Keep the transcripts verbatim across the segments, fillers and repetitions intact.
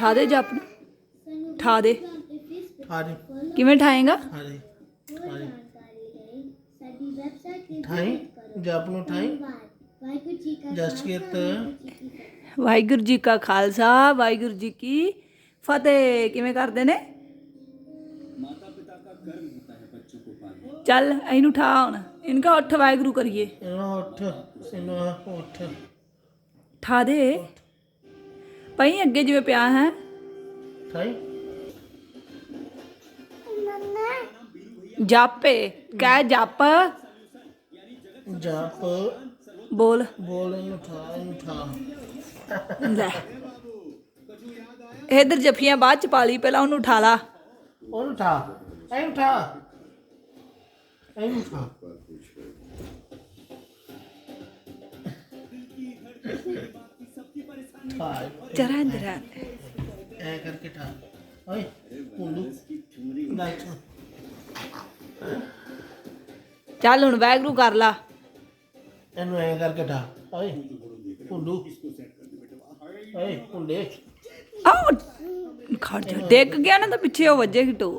ਠਾ ਦੇ ਜਪ ਨੂੰ ਠਾ ਦੇ ਠਾ ਦੇ ਕਿਵੇਂ ਠਾਏਗਾ ਠਾ ਦੇ ਠਾ ਦੇ ਠਾਈ ਜਪ ਨੂੰ ਠਾਈ ਜਸਕੀਰਤ ਵਾਹਿਗੁਰੂ ਜੀ ਕਾ ਖਾਲਸਾ ਵਾਹਿਗੁਰੂ ਜੀ ਕੀ ਫਤਿਹ ਕਿਵੇਂ ਕਰਦੇ ਨੇ ਚੱਲ ਇਹਨੂੰ ਠਾ ਹੁਣ ਇਨਕਾ ਉੱਠ ਵਾਹਿਗੁਰੂ ਕਰੀਏ ਇਹਨੂੰ ਉੱਠ ਇਹਨੂੰ ਉੱਠ ਠਾ ਦੇ ਪਈ ਅੱਗੇ ਜਿਵੇਂ ਪਿਆ ਹੈ ਠਾਈ ਜਾਪੇ ਕਹਿ ਜਪ ਜਪ ਬੋਲ ਬੋਲ ਇਹਨੂੰ ਠਾ ਇਹਨੂੰ ਠਾ ਲੈ ਇਧਰ ਜੱਫੀਆਂ ਬਾਅਦ ਚ ਪਾ ਲਈ ਪਹਿਲਾਂ ਉਹਨੂੰ ਉਠਾ ਲਾ ਉਹਨੂੰ ਠਾ ਇਹਨੂੰ ਠਾ ਇਹਨੂੰ ਠਾ ਜਰਾ ਇੰਦਰ ਐ ਕਰਕੇ ਠਾ ਓਏ ਪੁੰਡੂ ਨਾਚ ਚੱਲ ਹੁਣ ਵਾਹਿਗੁਰੂ ਕਰ ਲਾ ਇਹਨੂੰ ਐ ਕਰਕੇ ਠਾ ਓਏ ਪੁੰਡੂ ਓਏ ਪੁੰਡੇ ਆਹ ਖੜ ਜਾ ਡਿੱਗ ਗਿਆ ਨਾ ਤਾਂ ਪਿੱਛੇ ਉਹ ਵੱਜੇਗੀ ਟੋ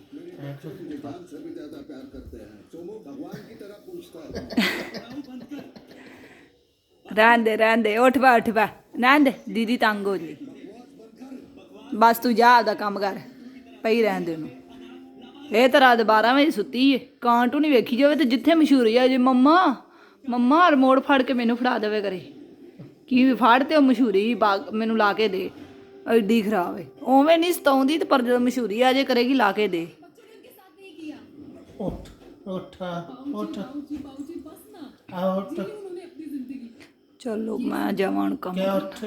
ਰਹਿਣ ਦੇ ਰਹਿਣ ਦੇ ਉੱਠ ਪਾ ਉੱਠ ਪਾ ਰਹਿਣ ਦੇ ਦੀਦੀ ਤੰਗ ਹੋ ਜੀ ਬਸ ਤੂੰ ਜਾ ਆਪਦਾ ਕੰਮ ਕਰ ਪਈ ਰਹਿਣ ਦੇ ਉਹਨੂੰ ਇਹ ਤਾਂ ਰਾਤ ਬਾਰਾਂ ਵਜੇ ਸੁੱਤੀ ਏ ਕਾਂਟੂ ਨਹੀਂ ਵੇਖੀ ਜਾਵੇ ਤੇ ਜਿੱਥੇ ਮਸ਼ਹੂਰੀ ਆ ਜੇ ਮੰਮਾ ਮੰਮਾ ਰਿਮੋਟ ਫੜ ਕੇ ਮੈਨੂੰ ਫੜਾ ਦੇਵੇ ਕਰੇ ਕੀ ਫੜ ਤੇ ਉਹ ਮਸ਼ਹੂਰੀ ਬਾਗ ਮੈਨੂੰ ਲਾ ਕੇ ਦੇ ਐਡੀ ਖਰਾਬ ਏ ਉਵੇਂ ਨਹੀਂ ਸਤਾਉਂਦੀ ਤੇ ਪਰ ਜਦੋਂ ਮਸ਼ਹੂਰੀ ਆ ਜੇ ਕਰੇਗੀ ਲਾ ਕੇ ਦੇ ਉੱਠ ਉੱਠ ਉੱਠ ਆ ਉੱਠ ਚਲੋ ਮੈਂ ਜਾਵਾਂ ਹੁਣ ਕੰਮ ਕਿਆ ਉੱਠ